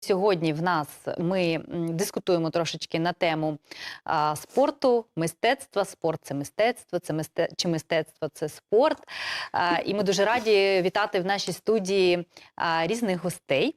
сьогодні в нас ми дискутуємо трошечки на тему спорту, мистецтва. Спорт – це мистецтво, чи мистецтво – це спорт. І ми дуже раді вітати в нашій студії різних гостей.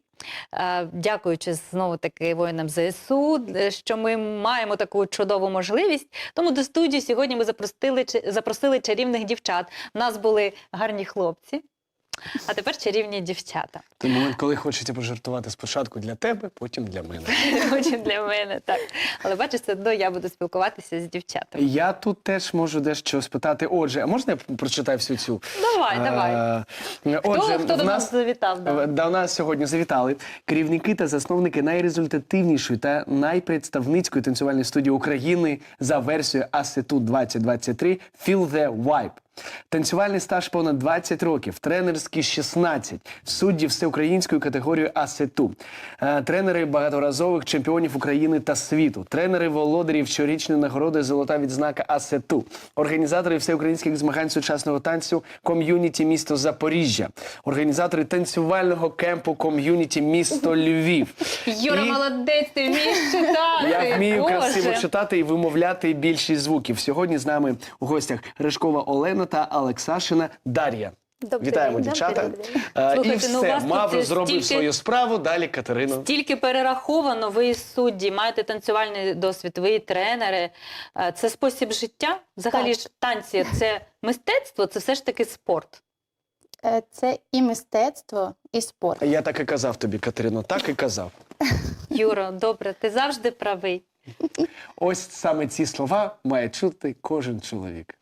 Дякуючи знову-таки воїнам ЗСУ, що ми маємо таку чудову можливість. Тому до студії сьогодні ми запросили чарівних дівчат. У нас були гарні хлопці, а тепер чарівні дівчата. Той момент, коли хочеться пожартувати спочатку для тебе, потім для мене. Потім для мене, так. Але бачиш, все одно я буду спілкуватися з дівчатами. Я тут теж можу дещо спитати. Отже, а можна я прочитаю всю цю? Давай. Хто до нас завітав? До нас сьогодні завітали керівники та засновники найрезультативнішої та найпредставницької танцювальної студії України за версією ASETU 2023 Feel the Vibe. Танцювальний стаж понад 20 років, тренерський 16, судді всеукраїнської категорії ASETU, тренери багаторазових чемпіонів України та світу, тренери володарів щорічної нагороди «Золота відзнака ASETU», організатори всеукраїнських змагань сучасного танцю «Ком'юніті місто Запоріжжя», організатори танцювального кемпу «Ком'юніті місто Львів». Юра, молодець, ти вмієш читати! Я вмію Боже. красиво читати і вимовляти більшість звуків. Сьогодні з нами у гостях Рижкова Олена та Олексашина Дар'я. Вітаємо, дівчата. Слухайте, І ну, у все, вас Мавро тут зробив стільки- свою справу, далі Катерина. Тільки перераховано, ви і судді, маєте танцювальний досвід, ви і тренери. Це спосіб життя? Взагалі Так. ж танці – це мистецтво, це все ж таки спорт. Це і мистецтво, і спорт. Я так і казав тобі, Катерино, так і казав. Юро, добре, ти завжди правий. Ось саме ці слова має чути кожен чоловік.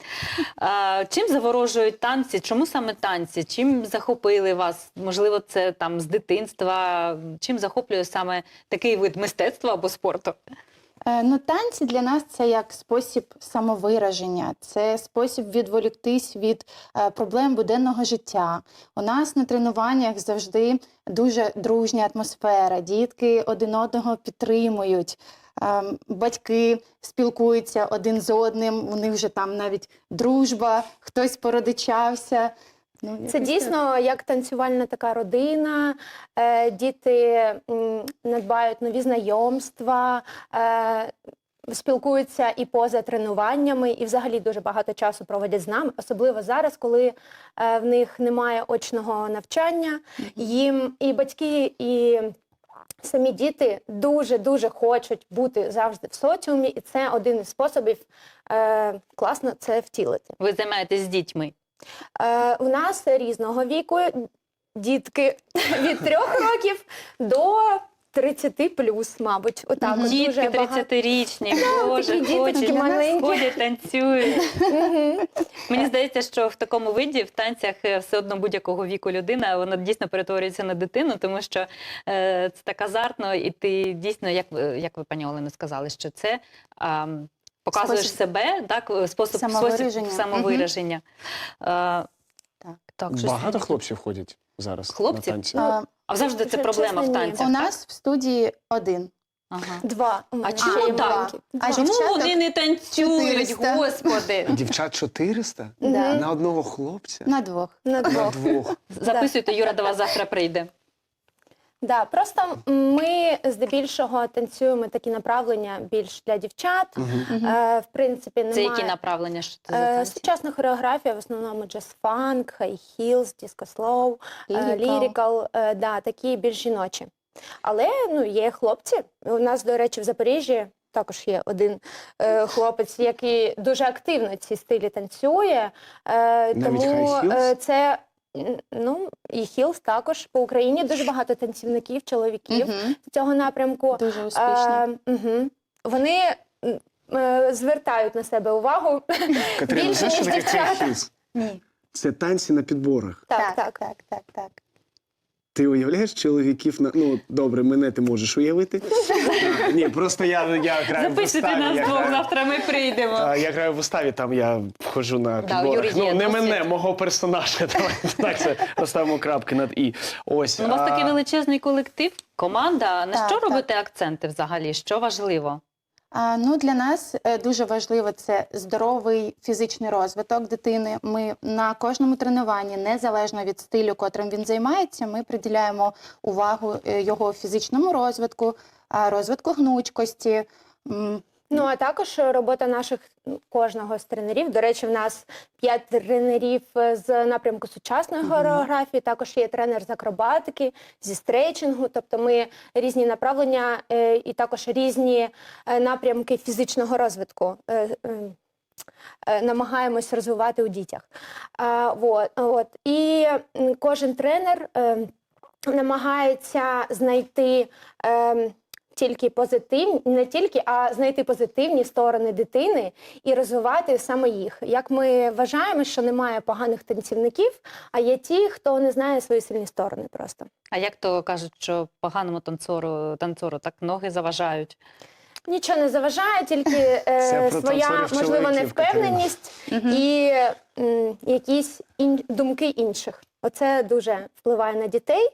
Чим заворожують танці? Чому саме танці? Чим захопили вас? Можливо, це там з дитинства? Чим захоплює саме такий вид мистецтва або спорту? Танці для нас це як спосіб самовираження, це спосіб відволіктись від проблем буденного життя. У нас на тренуваннях завжди дуже дружня атмосфера, дітки один одного підтримують. Батьки спілкуються один з одним, у них вже там навіть дружба, хтось породичався. Це дійсно як танцювальна така родина, діти надбають нові знайомства, спілкуються і поза тренуваннями, і взагалі дуже багато часу проводять з нами, особливо зараз, коли в них немає очного навчання, їм і батьки, і самі діти дуже-дуже хочуть бути завжди в соціумі, і це один із способів класно це втілити. Ви займаєтесь з дітьми? У нас різного віку, дітки від 3 років до 30 плюс, мабуть. Отак, от Дітки дуже багато. 30-річні, Боже, такі діточки ходять, маленькі. ходять, танцюють. Мені здається, що в такому виді, в танцях, все одно будь-якого віку людина, вона дійсно перетворюється на дитину, тому що це так азартно, і ти дійсно, як ви, пані Олено, сказали, що це показуєш Спосіб себе, так, спосіб самовираження. Так, щось Багато я- хлопців ходять зараз Хлопців? на танці? А завжди це Чесно, проблема в ні. танцях, У так? нас в студії один. Ага. 2. А чому ще так? маленькі. А Чому дівчаток вони не танцюють, 400? господи? Дівчат 400? Да. На одного хлопця? На двох. На На 2. двох. Записуйте, Юра до вас завтра прийде. Да, просто ми здебільшого танцюємо такі направлення більш для дівчат. В принципі, немає... Це які направлення? Що це за танці? Сучасна хореографія, в основному джаз-фанк, хай-хілз, диско-слоу, Lyrical. лірикал, да, такі більш жіночі. Але є хлопці. У нас, до речі, в Запоріжжі також є один хлопець, який дуже активно ці стилі танцює. Тому хай-хілз? це... і хілз також. По Україні дуже багато танцівників, чоловіків з цього напрямку. Дуже успішні. Вони звертають на себе увагу Катерина, більше, знаєш, що ніж таке дівчата. хай-хілз? Ні. Це танці на підборах. Так. Ти уявляєш чоловіків на... Ну, добре, мене ти можеш уявити. Ні, просто я граю в Записуйте виставі. нас двох, завтра ми прийдемо. Я граю в виставі, там я входжу на Да, у підборах. Юрі є Не досвід. мене, мого персонажа. Давайте так це розставимо крапки над «і». Ось. У вас такий величезний колектив, команда. На Так, що так. робите акценти взагалі? Що важливо? Ну, для нас дуже важливо це здоровий фізичний розвиток дитини. Ми на кожному тренуванні, незалежно від стилю, котрим він займається, ми приділяємо увагу його фізичному розвитку, розвитку гнучкості. Ну, а також робота наших кожного з тренерів. До речі, в нас 5 тренерів з напрямку сучасної хореографії, також є тренер з акробатики, зі стрейчингу, тобто ми різні направлення і також різні напрямки фізичного розвитку намагаємось розвивати у дітях. І кожен тренер намагається знайти тільки не тільки, а знайти позитивні сторони дитини і розвивати саме їх. Як ми вважаємо, що немає поганих танцівників, а є ті, хто не знає свої сильні сторони просто. А як то кажуть, що поганому танцору так ноги заважають? Нічого не заважає, тільки своя, можливо, невпевненість і якісь думки інших. Оце дуже впливає на дітей,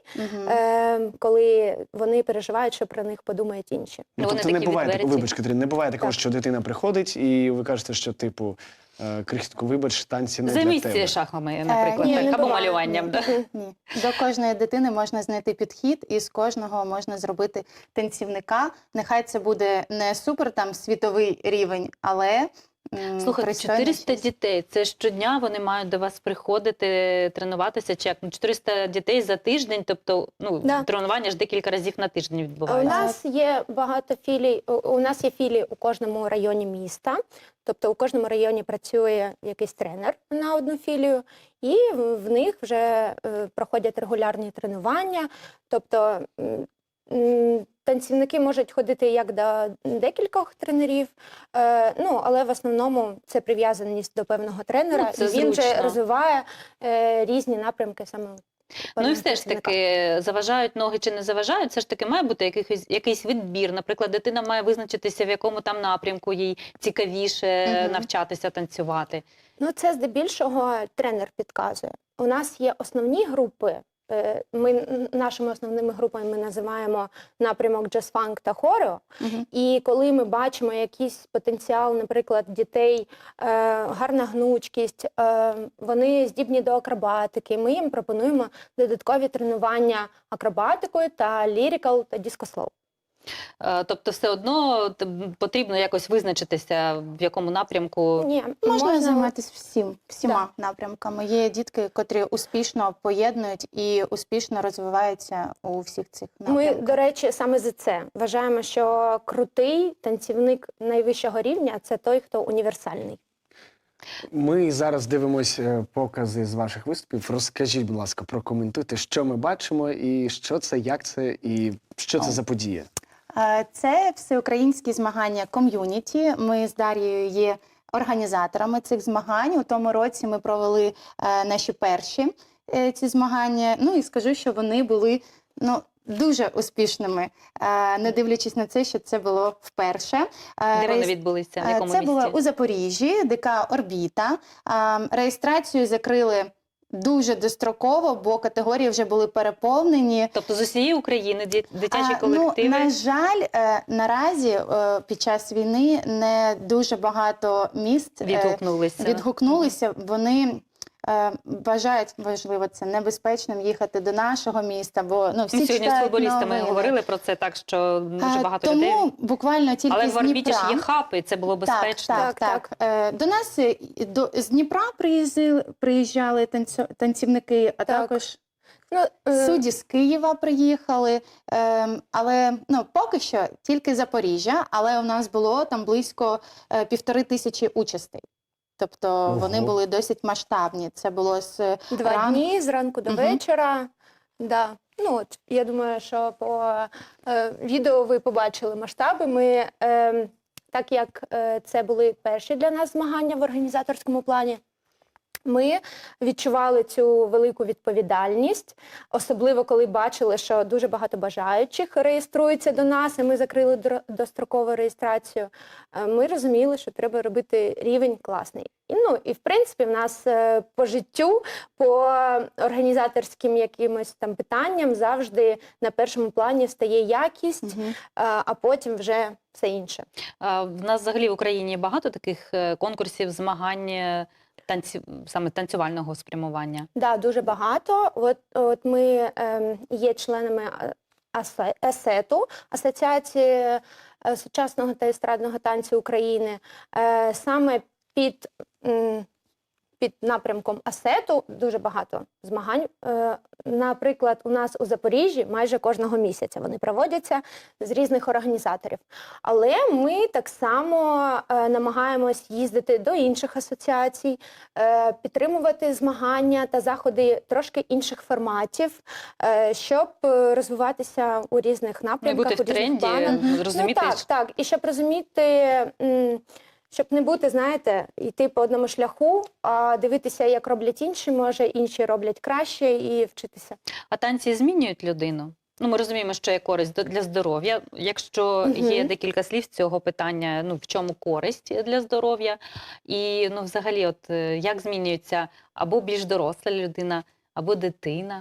коли вони переживають, що про них подумають інші. Ну, тобто не буває такого, вибач, Катерина, не буває такого, що дитина приходить і ви кажете, що типу, крихітку, вибач, танці не для тебе. Займіться шахами, наприклад, ні, або малюванням. Да? Ні. До кожної дитини можна знайти підхід, і з кожного можна зробити танцівника. Нехай це буде не супер там світовий рівень, але Слухайте, 400 дітей, це щодня вони мають до вас приходити, тренуватися, чи як? 400 дітей за тиждень, тобто тренування ж декілька разів на тиждень У відбувається. нас є багато філій, у нас є філії у кожному районі міста, тобто у кожному районі працює якийсь тренер на одну філію, і в них вже проходять регулярні тренування, тобто танцівники можуть ходити як до декількох тренерів, але в основному це прив'язаність до певного тренера, і він вже розвиває різні напрямки саме. Ну і все ж таки, заважають ноги чи не заважають, все ж таки має бути якийсь відбір. Наприклад, дитина має визначитися, в якому там напрямку їй цікавіше навчатися танцювати. Ну це здебільшого тренер підказує. У нас є основні групи. Нашими основними групами ми називаємо напрямок джаз-фанк та хорео. І коли ми бачимо якийсь потенціал, наприклад, дітей, гарна гнучкість, вони здібні до акробатики, ми їм пропонуємо додаткові тренування акробатикою та лірикал та дискослоу. Тобто все одно потрібно якось визначитися, в якому напрямку? Ні, можна займатися всіма напрямками. Є дітки, котрі успішно поєднують і успішно розвиваються у всіх цих напрямках. Ми, до речі, саме за це вважаємо, що крутий танцівник найвищого рівня – це той, хто універсальний. Ми зараз дивимося покази з ваших виступів. Розкажіть, будь ласка, прокоментуйте, що ми бачимо, і що це, як це, і що це за подія. Це всеукраїнські змагання ком'юніті. Ми з Дар'єю є організаторами цих змагань. У тому році ми провели наші перші ці змагання. Ну і скажу, що вони були дуже успішними, не дивлячись на це, що це було вперше. Де вони відбулися? В якому це місті? було у Запоріжжі, ДК «Орбіта». Реєстрацію закрили дуже достроково, бо категорії вже були переповнені. Тобто з усієї України дитячі колективи? На жаль, наразі під час війни не дуже багато міст відгукнулися. Вони вважають, важливо це, небезпечним їхати до нашого міста, бо всі сьогодні з футболістами говорили про це, так що дуже багато людей. Тому буквально тільки але з в Орбіті ж Дніпра. є хапи, це було безпечно. Так. До нас з Дніпра приїжджали танцівники, а також судді з Києва приїхали, але поки що тільки Запоріжжя, але у нас було там близько 1500 участей. Тобто вони були досить масштабні. Це було з 2 дні, з ранку до вечора. Да. Я думаю, що по відео ви побачили масштаби. Ми, так як це були перші для нас змагання в організаторському плані, Ми відчували цю велику відповідальність, особливо коли бачили, що дуже багато бажаючих реєструються до нас, і ми закрили дострокову реєстрацію. Ми розуміли, що треба робити рівень класний. І в принципі, в нас по життю, по організаторським якимось там питанням завжди на першому плані стає якість, а потім вже все інше. В нас взагалі в Україні багато таких конкурсів, змагань, саме танцювального спрямування. Да, дуже багато. От ми є членами АСЕТу, Асоціації сучасного та естрадного танцю України. Саме під напрямком АСЕТу дуже багато змагань. Наприклад, у нас у Запоріжжі майже кожного місяця вони проводяться з різних організаторів. Але ми так само намагаємось їздити до інших асоціацій, підтримувати змагання та заходи трошки інших форматів, щоб розвиватися у різних напрямках, бути в тренді, розуміти. Так. І щоб розуміти... Щоб не бути, знаєте, йти по одному шляху, а дивитися, як роблять інші, може, інші роблять краще і вчитися. А танці змінюють людину? Ми розуміємо, що є користь для здоров'я. Якщо є декілька слів з цього питання, в чому користь для здоров'я? І, взагалі, як змінюється або більш доросла людина, або дитина?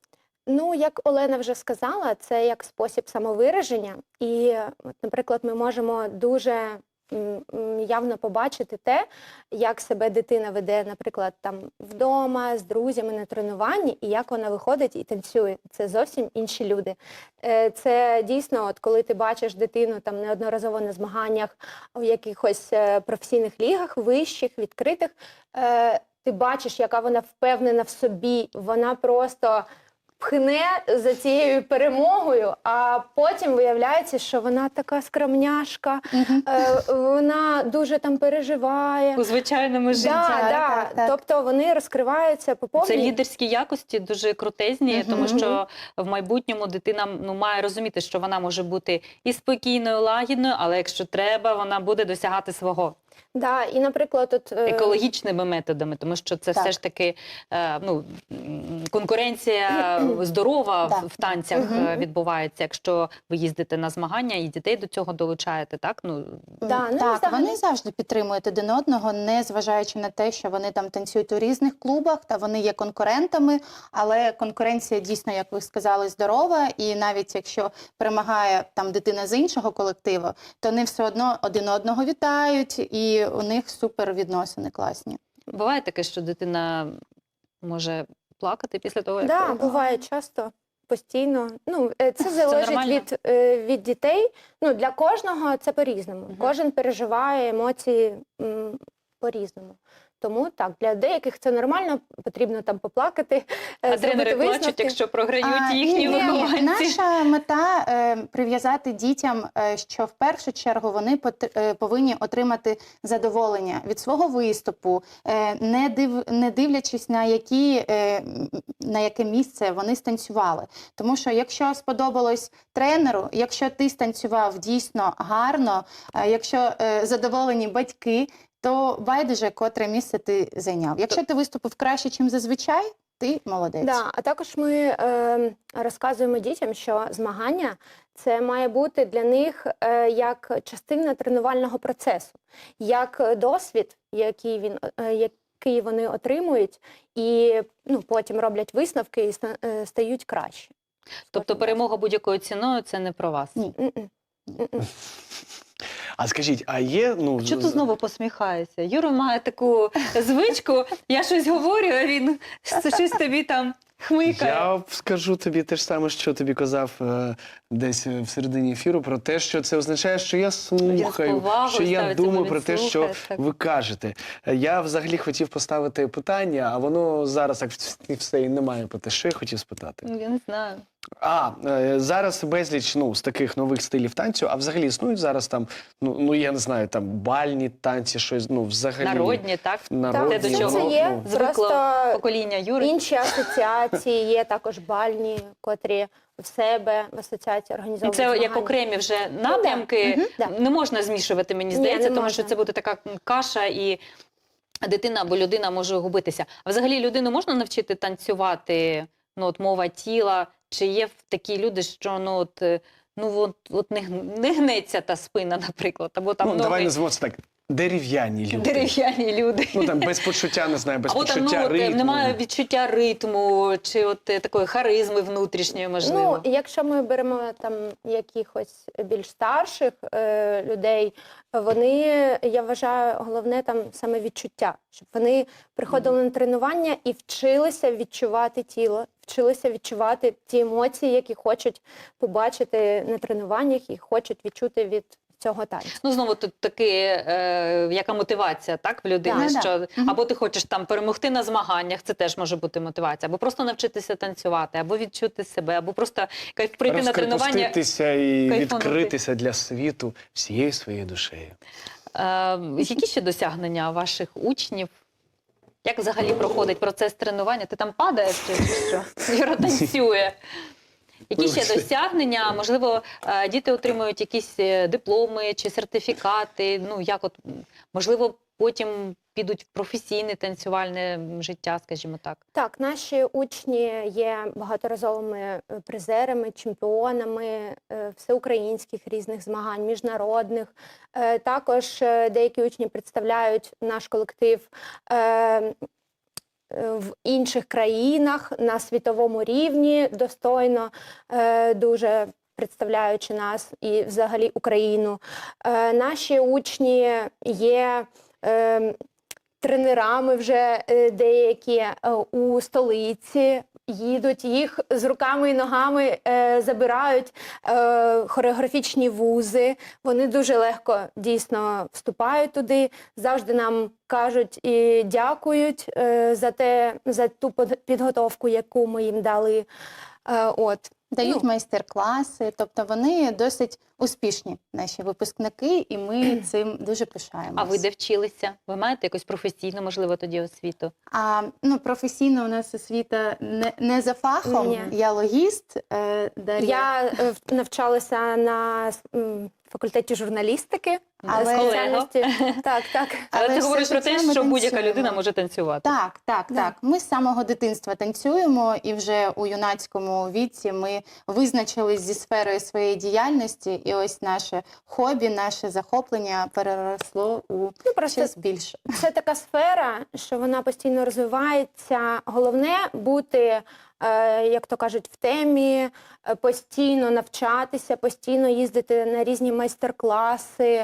Як Олена вже сказала, це як спосіб самовираження. І, наприклад, ми можемо дуже явно побачити те, як себе дитина веде, наприклад, там вдома, з друзями на тренуванні, і як вона виходить і танцює. Це зовсім інші люди. Це дійсно, коли ти бачиш дитину там неодноразово на змаганнях в якихось професійних лігах, вищих, відкритих, ти бачиш, яка вона впевнена в собі, вона просто пхне за цією перемогою, а потім виявляється, що вона така скромняшка, вона дуже там переживає. У звичайному житті. Так. Тобто вони розкриваються по повній. Це лідерські якості дуже крутезні, тому що в майбутньому дитина має розуміти, що вона може бути і спокійною, лагідною, але якщо треба, вона буде досягати свого. Да, і, наприклад, екологічними методами, тому що це все ж таки конкуренція здорова в танцях відбувається, якщо ви їздите на змагання і дітей до цього долучаєте, так? Так, вони завжди підтримують один одного, не зважаючи на те, що вони там танцюють у різних клубах, та вони є конкурентами, але конкуренція дійсно, як ви сказали, здорова, і навіть якщо перемагає там дитина з іншого колективу, то вони все одно один одного вітають, і у них супер відносини класні. Буває таке, що дитина може плакати після того, як... Так, буває часто, постійно. Це залежить від дітей. Для кожного це по-різному. Кожен переживає емоції по-різному. Тому так, для деяких це нормально, потрібно там поплакати, а тренери плачуть, якщо програють їхні вихованці. Наша мета прив'язати дітям, що в першу чергу вони повинні отримати задоволення від свого виступу, не дивлячись на яке місце вони станцювали. Тому що якщо сподобалось тренеру, якщо ти станцював дійсно гарно, якщо задоволені батьки, то байдуже, котре місце ти зайняв. Якщо ти виступив краще, ніж зазвичай, ти молодець. Да, а також ми розказуємо дітям, що змагання – це має бути для них як частина тренувального процесу, як досвід, який вони отримують, і потім роблять висновки і стають краще. Тобто перемога будь-якою ціною – це не про вас? Ні. А скажіть, а є... Чого ти знову посміхаєшся? Юра має таку звичку, я щось говорю, а він щось тобі там хмикає. Я скажу тобі те ж саме, що тобі казав десь в середині ефіру, про те, що це означає, що я слухаю, що я думаю про те, що ви кажете. Я взагалі хотів поставити питання, а воно зараз так все і немає про те, що я хотів спитати. Я не знаю. Зараз безліч з таких нових стилів танцю, а взагалі існують зараз там, я не знаю, там бальні танці, щось, взагалі. Народні, так? Народні. Те, до чого це є, звикло покоління Юри. Інші асоціації є також бальні, котрі в себе в асоціації організовують Це змагання. як окремі вже напрямки, не можна змішувати, мені здається, тому що це буде така каша і дитина або людина може губитися. А взагалі людину можна навчити танцювати, ну, от мова тіла, чи є такі люди, що не гнеться та спина, наприклад, або там Ну, давай ноги, назвемо це так. Дерев'яні люди. дерев'яні люди. Ну, там без почуття, не знаю, без Або там почуття ритму. немає відчуття ритму, чи такої харизми внутрішньої, можливо. Ну, якщо ми беремо там якихось більш старших людей, вони, я вважаю, головне там саме відчуття, щоб вони приходили на тренування і вчилися відчувати тіло, вчилися відчувати ті емоції, які хочуть побачити на тренуваннях і хочуть відчути від цього танцю. Ну, знову тут таки, яка мотивація, так, в людини, Да, що да. Мгм. або ти хочеш там перемогти на змаганнях, це теж може бути мотивація, або просто навчитися танцювати, або відчути себе, або просто прийти на тренування. Розкрепоститися і кайфанути. відкритися для світу всією своєю душею. Які ще досягнення ваших учнів? Як взагалі проходить процес тренування? Ти там падаєш чи що? Юра танцює. Які ще Вибачте. досягнення? Можливо, діти отримують якісь дипломи чи сертифікати? Ну, як от, можливо, потім підуть в професійне танцювальне життя, скажімо так. Так, наші учні є багаторазовими призерами, чемпіонами всеукраїнських різних змагань, міжнародних. Також деякі учні представляють наш колектив в інших країнах на світовому рівні, достойно, дуже представляючи нас і взагалі Україну. Наші учні є тренерами вже деякі у столиці, їдуть, їх з руками і ногами забирають хореографічні вузи. Вони дуже легко дійсно вступають туди, завжди нам кажуть і дякують за ту підготовку, яку ми їм дали. Дають майстер-класи, тобто вони досить успішні, наші випускники, і ми цим дуже пишаємося. А ви де вчилися? Ви маєте якусь професійну, можливо, тоді освіту? Професійно у нас освіта не за фахом, Ні. я логіст. Дар'я. Я навчалася на факультеті журналістики. Але- Спеціальності. Так. Але ти все говориш про те, життя ми що будь-яка танцюємо. людина може танцювати. Так. Да. Ми з самого дитинства танцюємо, і вже у юнацькому віці ми визначились зі сферою своєї діяльності, і ось наше хобі, наше захоплення переросло у Просто щось більше. це така сфера, що вона постійно розвивається. Головне бути, як то кажуть, в темі, постійно навчатися, постійно їздити на різні майстер-класи,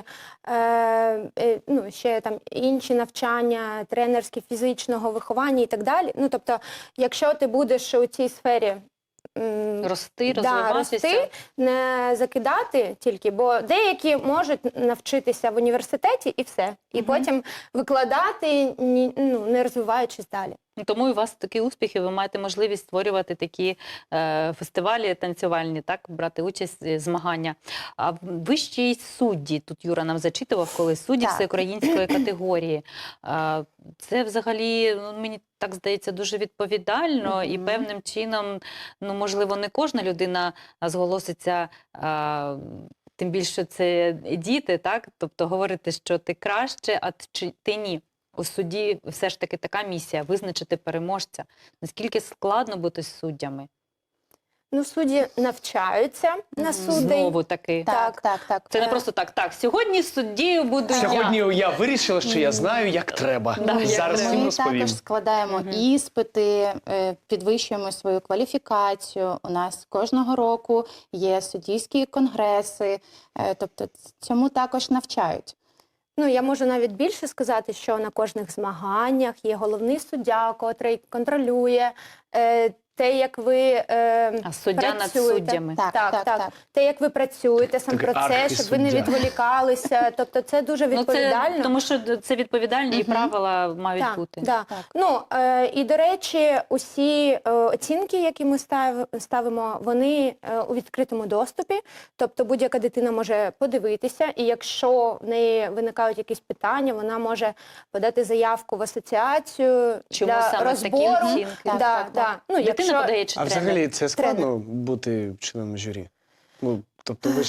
ще там інші навчання, тренерські, фізичного виховання і так далі. Ну, тобто, якщо ти будеш у цій сфері Рости, розвиватися. рости, не закидати тільки, бо деякі можуть навчитися в університеті і все. І потім викладати, не розвиваючись далі. Тому і у вас такі успіхи, ви маєте можливість створювати такі фестивалі танцювальні, так, брати участь, змагання. А ви ще й судді, тут Юра нам зачитував, коли судді Так. всеукраїнської категорії. Це взагалі, мені так здається, дуже відповідально і певним чином, можливо, не кожна людина зголоситься, тим більше це діти, так? Тобто говорити, що ти краще, а ти ні. У суді все ж таки така місія – визначити переможця. Наскільки складно бути суддями? Судді навчаються на суддей. Знову таки. Так. Це не просто так, сьогодні суддєю буду я. Сьогодні я вирішила, що я знаю, як треба. Да, як Зараз треба. всім Ми розповім. також складаємо іспити, підвищуємо свою кваліфікацію. У нас кожного року є суддівські конгреси, тобто цьому також навчають. Я можу навіть більше сказати, що на кожних змаганнях є головний суддя, котрий контролює те, як ви А суддя над працюєте. суддями. Так. Те, як ви працюєте, сам Такий процес, щоб ви не архісуддя. відволікалися. Тобто це дуже відповідально. Тому що це відповідальні і правила мають бути. Да. Так. І, до речі, усі оцінки, які ми ставимо, вони у відкритому доступі. Тобто будь-яка дитина може подивитися, і якщо в неї виникають якісь питання, вона може подати заявку в асоціацію Чому для саме розбору. такі оцінки? Так. Дитина подає чи А тренер? взагалі це складно бути членом журі? Тобто ви ж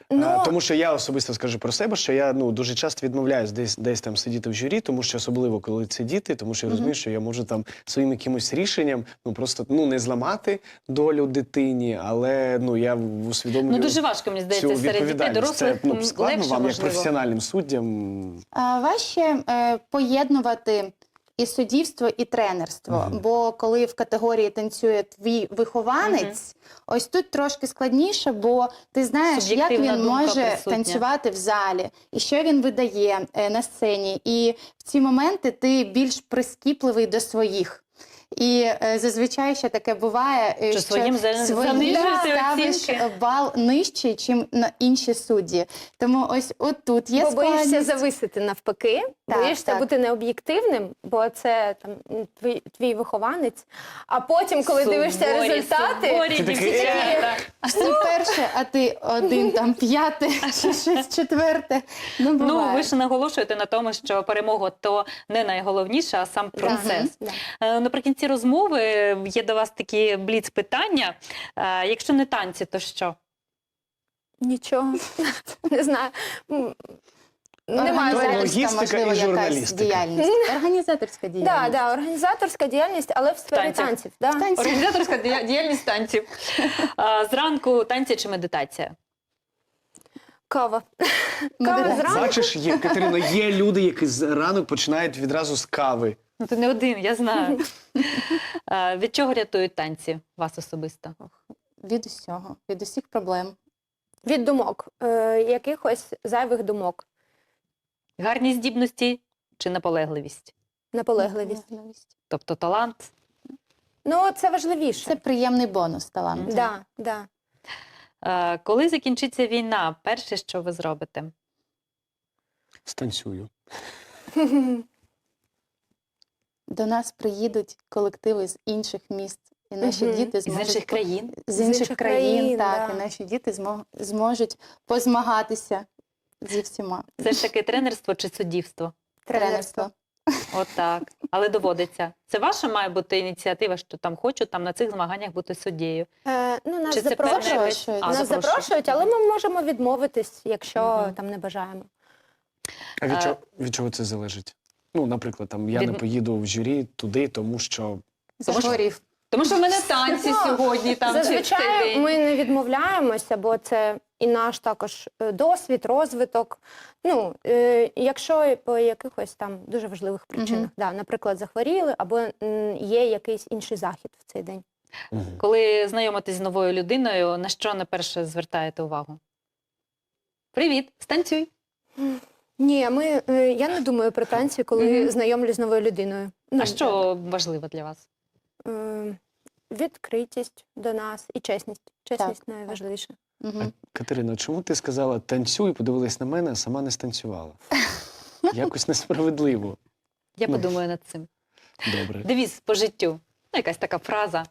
Ну, Тому що я особисто скажу про себе, що я дуже часто відмовляюсь десь там сидіти в журі, тому що особливо, коли це діти, тому що я розумію, що я можу там своїм якимось рішенням просто не зламати долю дитині, але я усвідомлюю Дуже важко, мені цю здається, серед дітей, відповідальність. Це дорослих складно легше, вам, як можливо. професіональним суддям. Важче поєднувати і суддівство, і тренерство. Мгм. Бо коли в категорії танцює твій вихованець, ось тут трошки складніше, бо ти знаєш, як Суб'єктивна він думка може присутня. танцювати в залі, і що він видає на сцені. І в ці моменти ти більш прискіпливий до своїх. І зазвичай ще таке буває, Що своїм занижуєте ставиш оцінки. бал нижчий, чим на інші судді. Тому ось отут є бо боїшся складність. зависити навпаки, Так, боїшся так. бути необ'єктивним, бо це там твій вихованець. А потім, коли дивишся результати, суворі Ти такий, дівчата. Всі перше, а ти один там п'яте, чи щось четверте. Ну, Ну, буває. ви ж наголошуєте на тому, що перемога то не найголовніше, а сам процес. Да. Наприкінці розмови є до вас такі бліц-питання. Якщо не танці, то що? Нічого. Не знаю. Немає То зараз. логістика і можливо, якась журналістика. діяльність. Організаторська діяльність. Да, організаторська діяльність, але в сфері танцях. танців. Да. Танці. Організаторська діяльність танців. Зранку танці чи медитація? Кава. Кава Медитація. зранку. Бачиш, Катерина, є люди, які ранок починають відразу з кави. Ну, ти не один, я знаю. Від чого рятують танці вас особисто? Від усього, від усіх проблем. Від думок, якихось зайвих думок, Гарні здібності чи наполегливість? наполегливість. Тобто талант? Ну, це важливіше. Це приємний бонус таланту. Да, да. Коли закінчиться війна, перше, що ви зробите? Станцюю. До нас приїдуть колективи з інших міст. І наші Мгм. діти З зможуть інших країн? з інших країн, так, да. і наші діти зможуть позмагатися зі всіма. Це ж таки тренерство чи суддівство? Тренерство. Отак. Але доводиться. Це ваша має бути ініціатива, що там хочу там на цих змаганнях бути суддєю? Ну, нас Чи це запрошують. певне якесь- Запрошують. А, Нас запрошують, але ми можемо відмовитись, якщо Мгм. там не бажаємо. А від чого це залежить? Наприклад, я не поїду в журі туди, тому що Захворів. Тому що в мене танці Ну, сьогодні там чи в цей Зазвичай день. ми не відмовляємося, бо це і наш також досвід, розвиток. Ну, якщо по якихось там дуже важливих причинах, да, наприклад, захворіли або є якийсь інший захід в цей день. Коли знайомитесь з новою людиною, на що найперше звертаєте увагу? Привіт, станцюй. Ні, я не думаю про танці, коли Мгм. знайомлюсь з новою людиною. А що важливо для вас? Відкритість до нас і чесність. Чесність найважливіше. Мгм. Катерина, чому ти сказала танцюй, подивилась на мене, а сама не станцювала? Якось несправедливо. Я Ну. подумаю над цим. Добре. Девіз по життю. Якась така фраза.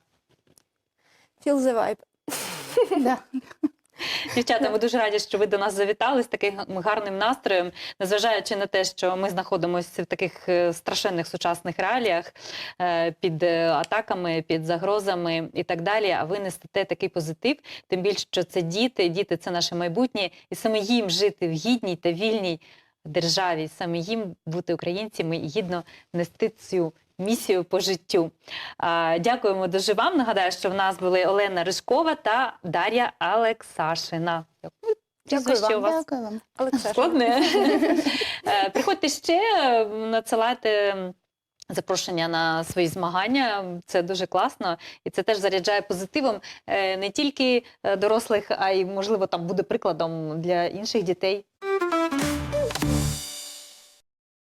Feel the vibe. Да. Дівчата, ми дуже раді, що ви до нас завітали з таким гарним настроєм, незважаючи на те, що ми знаходимося в таких страшенних сучасних реаліях під атаками, під загрозами і так далі. А ви несете такий позитив, тим більше, що це діти це наше майбутнє, і саме їм жити в гідній та вільній державі, саме їм бути українцями і гідно нести цю місію по життю. Дякуємо дуже вам. Нагадаю, що в нас були Олена Рижкова та Дар'я Алексашина. Прізвище у вас Дякую вам. Олександр. складне. Приходьте ще, надсилайте запрошення на свої змагання. Це дуже класно. І це теж заряджає позитивом не тільки дорослих, а й, можливо, там буде прикладом для інших дітей.